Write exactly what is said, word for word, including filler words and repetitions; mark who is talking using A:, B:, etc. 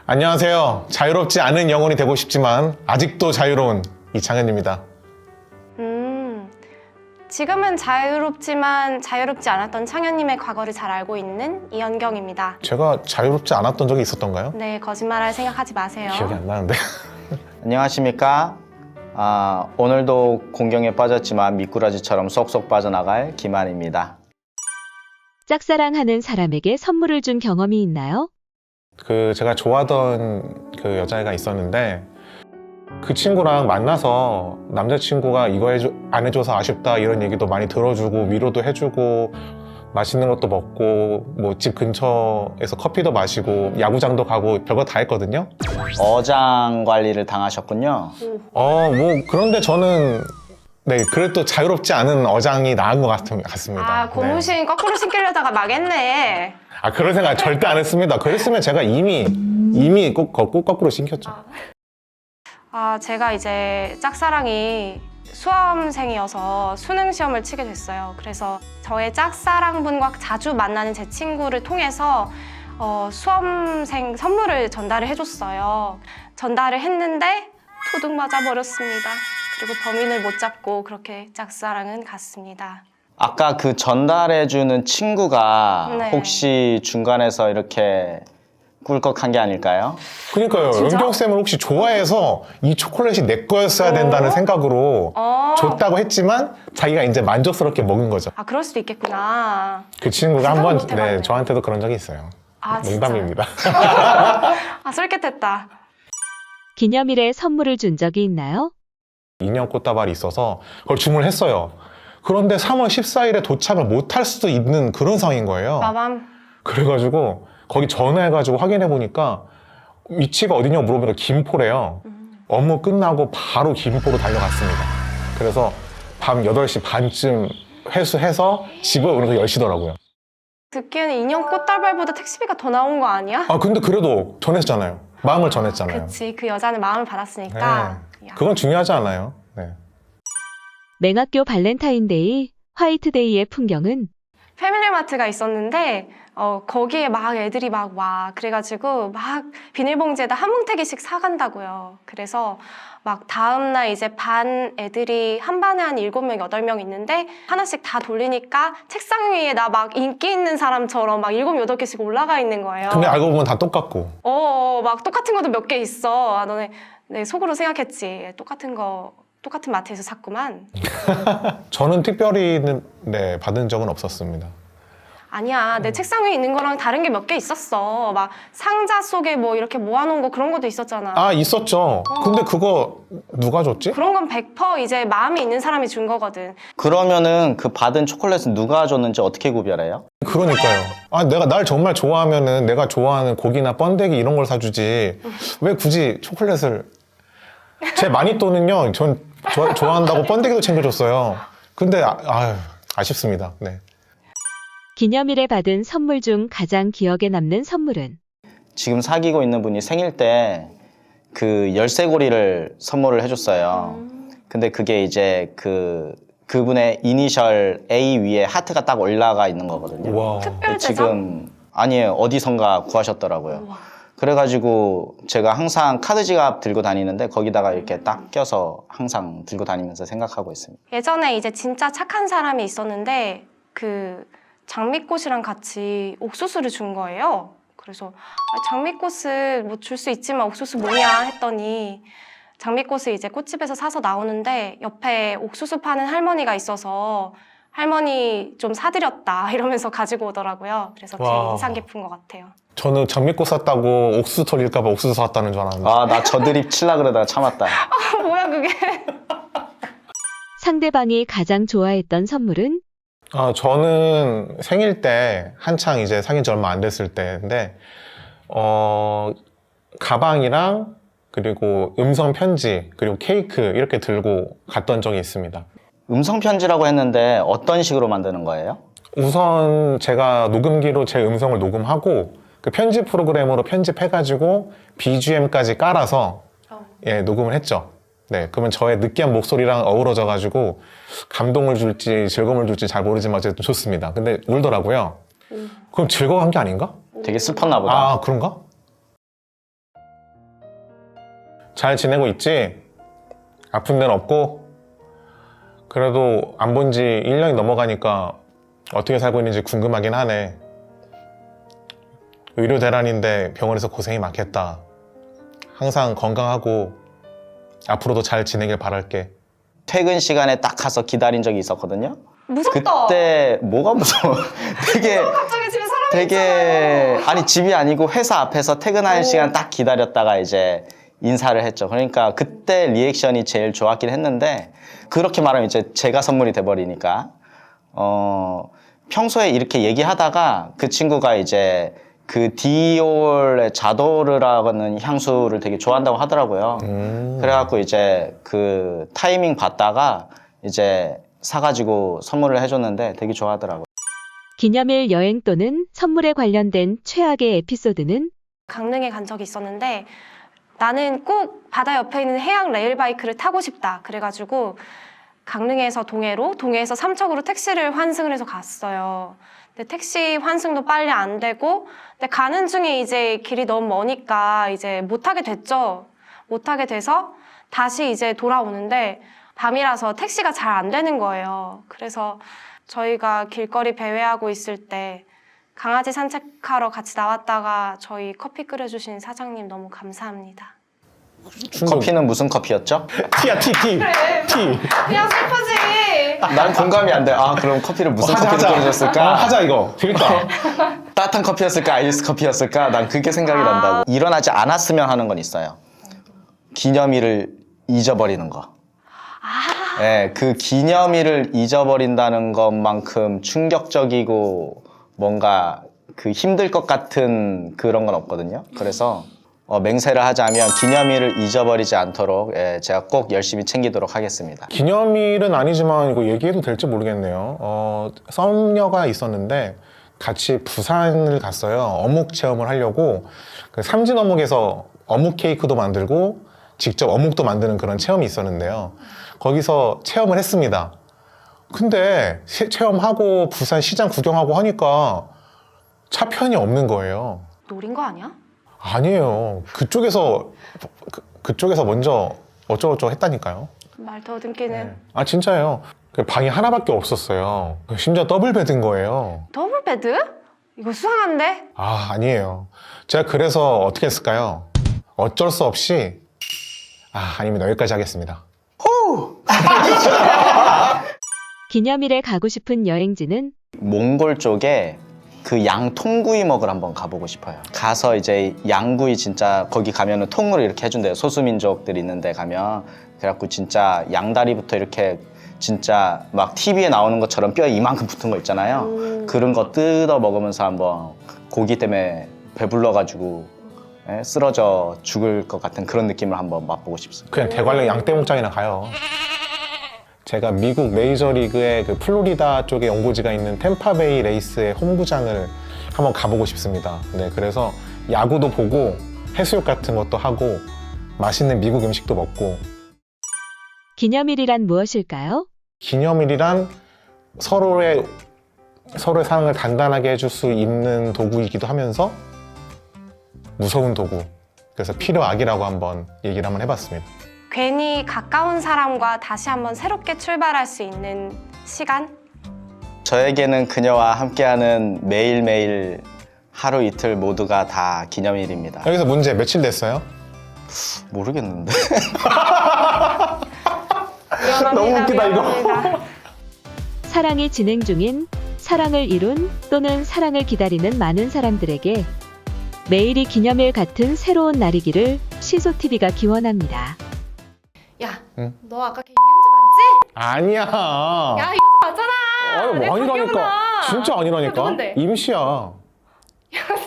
A: 안녕하세요. 자유롭지 않은 영혼이 되고 싶지만 아직도 자유로운 이창현입니다.
B: 음, 지금은 자유롭지만 자유롭지 않았던 창현님의 과거를 잘 알고 있는 이연경입니다.
A: 제가 자유롭지 않았던 적이 있었던가요?
B: 네, 거짓말할 생각하지 마세요.
A: 기억이 안 나는데.
C: 안녕하십니까? 아, 오늘도 공경에 빠졌지만 미꾸라지처럼 쏙쏙 빠져나갈 김한입니다.
D: 짝사랑하는 사람에게 선물을 준 경험이 있나요?
A: 그 제가 좋아하던 그 여자애가 있었는데 그 친구랑 만나서 남자친구가 이거 해줘, 안 해줘서 아쉽다 이런 얘기도 많이 들어주고 위로도 해주고 맛있는 것도 먹고 뭐 집 근처에서 커피도 마시고 야구장도 가고 별거 다 했거든요.
C: 어장 관리를 당하셨군요.
A: 어 뭐 그런데 저는 네 그래도 자유롭지 않은 어장이 나은 것 같, 같습니다.
B: 아, 고무신
A: 네.
B: 거꾸로 신기려다가 망했네.
A: 아 그런 생각 절대 안 했습니다. 그랬으면 제가 이미 이미 꼭, 꼭 거꾸로 신켰죠.
B: 아, 제가 이제 짝사랑이 수험생이어서 수능 시험을 치게 됐어요. 그래서 저의 짝사랑분과 자주 만나는 제 친구를 통해서 어, 수험생 선물을 전달을 해줬어요. 전달을 했는데 도둑 맞아 버렸습니다. 그리고 범인을 못 잡고 그렇게 짝사랑은 갔습니다.
C: 아까 그 전달해주는 친구가
B: 네.
C: 혹시 중간에서 이렇게 꿀꺽한 게 아닐까요?
A: 그러니까요.
B: 진짜?
A: 연경쌤을 혹시 좋아해서 이 초콜릿이 내 거였어야 된다는
B: 어?
A: 생각으로
B: 어.
A: 줬다고 했지만 자기가 이제 만족스럽게 먹은 거죠.
B: 아, 그럴 수도 있겠구나.
A: 그 친구가
B: 생각을
A: 한번
B: 못 해봤네.
A: 네, 저한테도 그런 적이 있어요.
B: 아, 진짜.
A: 농담입니다.
B: 아, 솔깃했다.
D: 기념일에 선물을 준 적이 있나요?
A: 인형 꽃다발이 있어서 그걸 주문을 했어요. 그런데 삼월 십사일에 도착을 못 할 수도 있는 그런 상황인 거예요.
B: 마밤.
A: 그래가지고 거기 전화해가지고 확인해 보니까 위치가 어디냐고 물어보니까 김포래요. 업무 끝나고 바로 김포로 달려갔습니다. 그래서 밤 여덟 시 반쯤 회수해서 집에 오는 거 열 시더라고요.
B: 듣기에는 인형 꽃다발보다 택시비가 더 나온 거 아니야?
A: 아 근데 그래도 전했잖아요. 마음을 전했잖아요.
B: 그치, 그 여자는 마음을 받았으니까.
A: 네.
B: 야.
A: 그건 중요하지 않아요. 네.
D: 맹학교 발렌타인데이, 화이트데이의 풍경은
B: 패밀리마트가 있었는데 어, 거기에 막 애들이 막 와. 그래가지고 막 비닐봉지에다 한 뭉태기씩 사간다고요. 그래서 막 다음날 이제 반 애들이 한 반에 한 일곱 명, 여덟 명 있는데 하나씩 다 돌리니까 책상 위에 나 막 인기 있는 사람처럼 막 일곱, 여덟 개씩 올라가 있는 거예요.
A: 근데 알고 보면 다 똑같고.
B: 어, 어, 막 똑같은 것도 몇 개 있어. 아, 너네 네, 속으로 생각했지. 똑같은 거, 똑같은 마트에서 샀구만.
A: 저는 특별히 네, 받은 적은 없었습니다.
B: 아니야, 내 책상 위에 있는 거랑 다른 게 몇 개 있었어. 막 상자 속에 뭐 이렇게 모아놓은 거 그런 것도 있었잖아.
A: 아 있었죠. 근데 그거 누가 줬지?
B: 그런 건 백 퍼센트 이제 마음이 있는 사람이 준 거거든.
C: 그러면은 그 받은 초콜릿은 누가 줬는지 어떻게 구별해요?
A: 그러니까요. 아 내가 날 정말 좋아하면은 내가 좋아하는 고기나 번데기 이런 걸 사주지 왜 굳이 초콜릿을 제 마니또는요 전 좋아, 좋아한다고 번데기도 챙겨줬어요. 근데 아, 아유, 아쉽습니다. 네.
D: 기념일에 받은 선물 중 가장 기억에 남는 선물은?
C: 지금 사귀고 있는 분이 생일 때 그 열쇠고리를 선물을 해줬어요. 근데 그게 이제 그 그분의 이니셜 A 위에 하트가 딱 올라가 있는 거거든요.
A: 와.
B: 특별 제작?
C: 지금 아니에요. 어디선가 구하셨더라고요.
B: 우와.
C: 그래가지고 제가 항상 카드 지갑 들고 다니는데 거기다가 이렇게 딱 껴서 항상 들고 다니면서 생각하고 있습니다.
B: 예전에 이제 진짜 착한 사람이 있었는데 그 장미꽃이랑 같이 옥수수를 준 거예요. 그래서 아, 장미꽃을 뭐 줄 수 있지만 옥수수 뭐냐 했더니 장미꽃을 이제 꽃집에서 사서 나오는데 옆에 옥수수 파는 할머니가 있어서 할머니 좀 사드렸다 이러면서 가지고 오더라고요. 그래서 되게
A: 와.
B: 인상 깊은 것 같아요.
A: 저는 장미꽃 샀다고 옥수수 털릴까봐 옥수수 샀다는 줄 알았는데.
C: 아, 나 저 드립 칠라 그러다가 참았다.
B: 아, 뭐야 그게?
D: 상대방이 가장 좋아했던 선물은?
A: 아, 저는 생일 때 한창 이제 사귄 지 얼마 안 됐을 때인데 어 가방이랑 그리고 음성 편지 그리고 케이크 이렇게 들고 갔던 적이 있습니다.
C: 음성 편지라고 했는데 어떤 식으로 만드는 거예요?
A: 우선 제가 녹음기로 제 음성을 녹음하고 그 편집 프로그램으로 편집해가지고 비지엠까지 깔아서 예 녹음을 했죠. 네, 그러면 저의 느끼한 목소리랑 어우러져가지고 감동을 줄지 즐거움을 줄지 잘 모르지만 어쨌든 좋습니다. 근데 울더라고요. 그럼 즐거운 게 아닌가?
C: 되게 슬펐나 보다.
A: 아, 그런가? 잘 지내고 있지? 아픈 데는 없고? 그래도 안 본 지 일 년이 넘어가니까 어떻게 살고 있는지 궁금하긴 하네. 의료 대란인데 병원에서 고생이 많겠다. 항상 건강하고 앞으로도 잘 지내길 바랄게.
C: 퇴근 시간에 딱 가서 기다린 적이 있었거든요.
B: 무섭다.
C: 그때 뭐가 무서워? 되게
B: 갑자기 집에 사람이
C: 되게 아니 집이 아니고 회사 앞에서 퇴근하는
B: 오.
C: 시간 딱 기다렸다가 이제 인사를 했죠. 그러니까 그때 리액션이 제일 좋았긴 했는데 그렇게 말하면 이제 제가 선물이 돼버리니까 어 평소에 이렇게 얘기하다가 그 친구가 이제 그 디올의 자도르라는 향수를 되게 좋아한다고 하더라고요.
A: 음.
C: 그래갖고 이제 그 타이밍 봤다가 이제 사가지고 선물을 해줬는데 되게 좋아하더라고요.
D: 기념일 여행 또는 선물에 관련된 최악의 에피소드는
B: 강릉에 간 적이 있었는데 나는 꼭 바다 옆에 있는 해양 레일바이크를 타고 싶다. 그래가지고 강릉에서 동해로, 동해에서 삼척으로 택시를 환승을 해서 갔어요. 근데 택시 환승도 빨리 안 되고, 근데 가는 중에 이제 길이 너무 머니까 이제 못 타게 됐죠. 못 타게 돼서 다시 이제 돌아오는데 밤이라서 택시가 잘 안 되는 거예요. 그래서 저희가 길거리 배회하고 있을 때 강아지 산책하러 같이 나왔다가 저희 커피 끓여주신 사장님 너무 감사합니다.
A: 충동.
C: 커피는 무슨 커피였죠?
A: 티야, 티, 티. 티.
B: 그냥 슬프지.
C: 난 공감이 안 돼. 아 그럼 커피를 무슨
A: 어, 하자,
C: 커피를
A: 하자.
C: 끓여줬을까?
A: 어, 하자, 이거. 재밌다.
C: 따뜻한 커피였을까? 아이스 커피였을까? 난 그게 생각이 난다고. 일어나지 않았으면 하는 건 있어요. 기념일을 잊어버리는 거.
B: 아,
C: 네, 그 기념일을 잊어버린다는 것만큼 충격적이고 뭔가 그 힘들 것 같은 그런 건 없거든요. 그래서 어, 맹세를 하자면 기념일을 잊어버리지 않도록 예, 제가 꼭 열심히 챙기도록 하겠습니다.
A: 기념일은 아니지만 이거 얘기해도 될지 모르겠네요. 어, 썸녀가 있었는데 같이 부산을 갔어요. 어묵 체험을 하려고 그 삼진 어묵에서 어묵 케이크도 만들고 직접 어묵도 만드는 그런 체험이 있었는데요. 거기서 체험을 했습니다. 근데 시- 체험하고 부산 시장 구경하고 하니까 차편이 없는 거예요.
B: 노린 거 아니야?
A: 아니에요. 그쪽에서 그, 그쪽에서 먼저 어쩌고저쩌고 했다니까요.
B: 말 더듬기는.
A: 아 진짜예요. 그 방이 하나밖에 없었어요. 심지어 더블 베드인 거예요.
B: 더블 베드? 이거 수상한데?
A: 아 아니에요. 제가 그래서 어떻게 했을까요? 어쩔 수 없이 아 아닙니다. 여기까지 하겠습니다.
D: 기념일에 가고 싶은 여행지는
C: 몽골 쪽에 그 양통구이 먹으러 한번 가보고 싶어요. 가서 이제 양구이 진짜 거기 가면은 통으로 이렇게 해준대요. 소수민족들 있는데 가면 그래갖고 진짜 양다리부터 이렇게 진짜 막 티비에 나오는 것처럼 뼈 이만큼 붙은 거 있잖아요.
B: 음.
C: 그런 거 뜯어 먹으면서 한번 고기 때문에 배불러가지고 예, 쓰러져 죽을 것 같은 그런 느낌을 한번 맛보고 싶습니다.
A: 그냥 대관령 양떼목장이나 가요. 제가 미국 메이저리그의 그 플로리다 쪽에 연고지가 있는 템파베이 레이스의 홈구장을 한번 가보고 싶습니다. 네, 그래서 야구도 보고 해수욕 같은 것도 하고 맛있는 미국 음식도 먹고.
D: 기념일이란 무엇일까요?
A: 기념일이란 서로의 서로의 사랑을 단단하게 해줄 수 있는 도구이기도 하면서 무서운 도구. 그래서 필요악이라고 한번 얘기를 한번 해봤습니다.
B: 괜히 가까운 사람과 다시 한번 새롭게 출발할 수 있는 시간?
C: 저에게는 그녀와 함께하는 매일매일 하루 이틀 모두가 다 기념일입니다.
A: 여기서 문제 며칠 됐어요?
C: 모르겠는데.
B: 미안합니다,
A: 너무 웃기다, 이거.
B: 미안합니다.
D: 사랑이 진행 중인 사랑을 이룬 또는 사랑을 기다리는 많은 사람들에게 매일이 기념일 같은 새로운 날이기를 시소티비가 기원합니다.
B: 야,
A: 응?
B: 너 아까 걔 이음주 맞지?
A: 아니야.
B: 야, 이음주 맞잖아.
A: 아유,
B: 내
A: 뭐 아니라니까.
B: 기억나.
A: 진짜 아니라니까.
B: 누군데?
A: 임시야.
B: 야,